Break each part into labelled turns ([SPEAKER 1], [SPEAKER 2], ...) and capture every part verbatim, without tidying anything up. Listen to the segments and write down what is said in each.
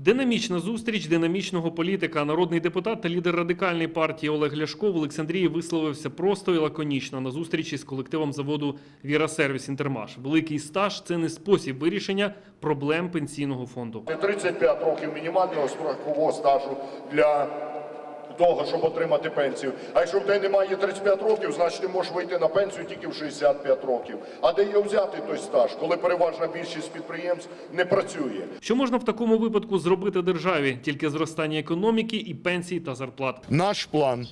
[SPEAKER 1] Динамічна зустріч динамічного політика. Народний депутат та лідер Радикальної партії Олег Ляшко в Олександрії висловився просто і лаконічно на зустрічі з колективом заводу «Віра Сервіс Інтермаш». Великий стаж – це не спосіб вирішення проблем пенсійного фонду.
[SPEAKER 2] тридцять п'ять років мінімального страхового стажу для того, щоб отримати пенсію. А якщо в тебе немає тридцять п'ять років, значить ти можеш вийти на пенсію тільки в шістдесят п'ять років. А де його взяти той стаж, коли переважна більшість підприємств не працює?
[SPEAKER 1] Що можна в такому випадку зробити державі? Тільки зростання економіки і пенсій та зарплат.
[SPEAKER 2] Наш план.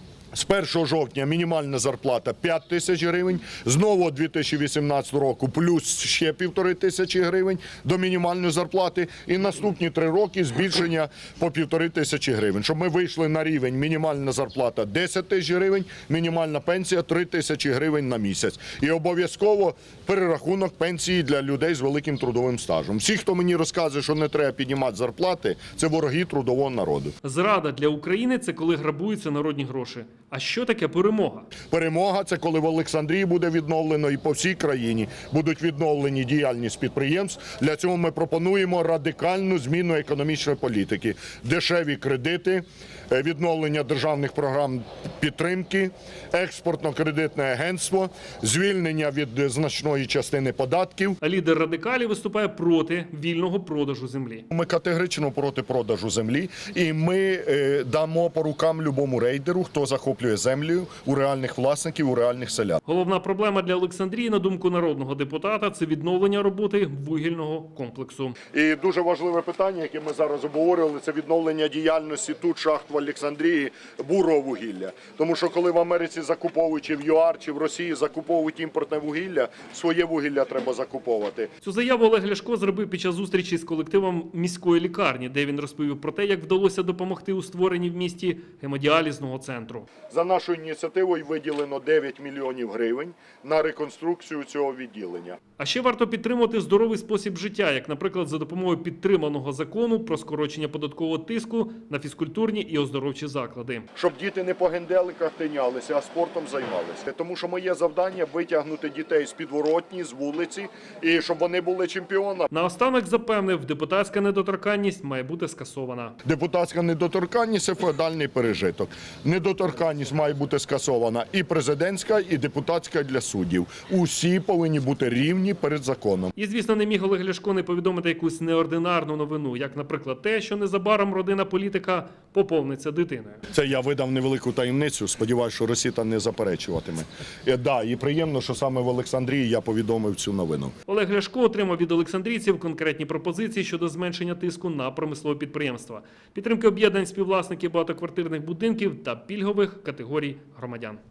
[SPEAKER 2] З першого жовтня мінімальна зарплата п'ять тисяч гривень, з нового дві тисячі вісімнадцятого року плюс ще півтори тисячі гривень до мінімальної зарплати і наступні три роки збільшення по півтори тисячі гривень. Щоб ми вийшли на рівень мінімальна зарплата десять тисяч гривень, мінімальна пенсія три тисячі гривень на місяць. І обов'язково перерахунок пенсії для людей з великим трудовим стажем. Всі, хто мені розказує, що не треба піднімати зарплати, це вороги трудового народу.
[SPEAKER 1] Зрада для України – це коли грабуються народні гроші. А що таке перемога?
[SPEAKER 2] Перемога – це коли в Олександрії буде відновлено і по всій країні будуть відновлені діяльність підприємств. Для цього ми пропонуємо радикальну зміну економічної політики. Дешеві кредити, відновлення державних програм підтримки, експортно-кредитне агентство, звільнення від значної частини податків.
[SPEAKER 1] А лідер радикалів виступає проти вільного продажу землі.
[SPEAKER 2] Ми категорично проти продажу землі і ми е, дамо по рукам любому рейдеру, хто захоплює землю у реальних власників, у реальних селян.
[SPEAKER 1] Головна проблема для Олександрії, на думку народного депутата, це відновлення роботи вугільного комплексу.
[SPEAKER 2] І дуже важливе питання, яке ми зараз обговорювали, це відновлення діяльності тут шахт в Олександрії бурого вугілля. Тому що коли в Америці закуповують, чи в ЮАР, чи в Росії закуповують імпортне вугілля, своє вугілля треба закуповувати.
[SPEAKER 1] Цю заяву Олег Ляшко зробив під час зустрічі з колективом міської лікарні, де він розповів про те, як вдалося допомогти у створенні в місті гемодіалізного центру.
[SPEAKER 2] За нашою ініціативою виділено дев'ять мільйонів гривень на реконструкцію цього відділення.
[SPEAKER 1] А ще варто підтримувати здоровий спосіб життя, як, наприклад, за допомогою підтриманого закону про скорочення податкового тиску на фізкультурні і оздоровчі заклади.
[SPEAKER 2] Щоб діти не по генделиках тинялися, а спортом займалися. Тому що моє завдання – витягнути дітей з підворотні, з вулиці, і щоб вони були чемпіонами.
[SPEAKER 1] Наостанок запевнив, депутатська недоторканність має бути скасована.
[SPEAKER 2] Депутатська недоторканність – це феодальний пережиток. Недоторканність має бути скасована і президентська, і депутатська для суддів. Усі повинні бути рівні перед законом.
[SPEAKER 1] І, звісно, не міг Олег Ляшко не повідомити якусь неординарну новину, як, наприклад, те, що незабаром родина політика поповниться дитиною.
[SPEAKER 2] Це я видав невелику таємницю, сподіваюся, що Росіта не заперечуватиме. І, да, і приємно, що саме в Олександрії я повідомив цю новину.
[SPEAKER 1] Олег Ляшко отримав від олександрійців конкретні пропозиції щодо зменшення тиску на промислові підприємства, підтримки об'єднань співвласників багатоквартирних будинків та пільгових категорій громадян.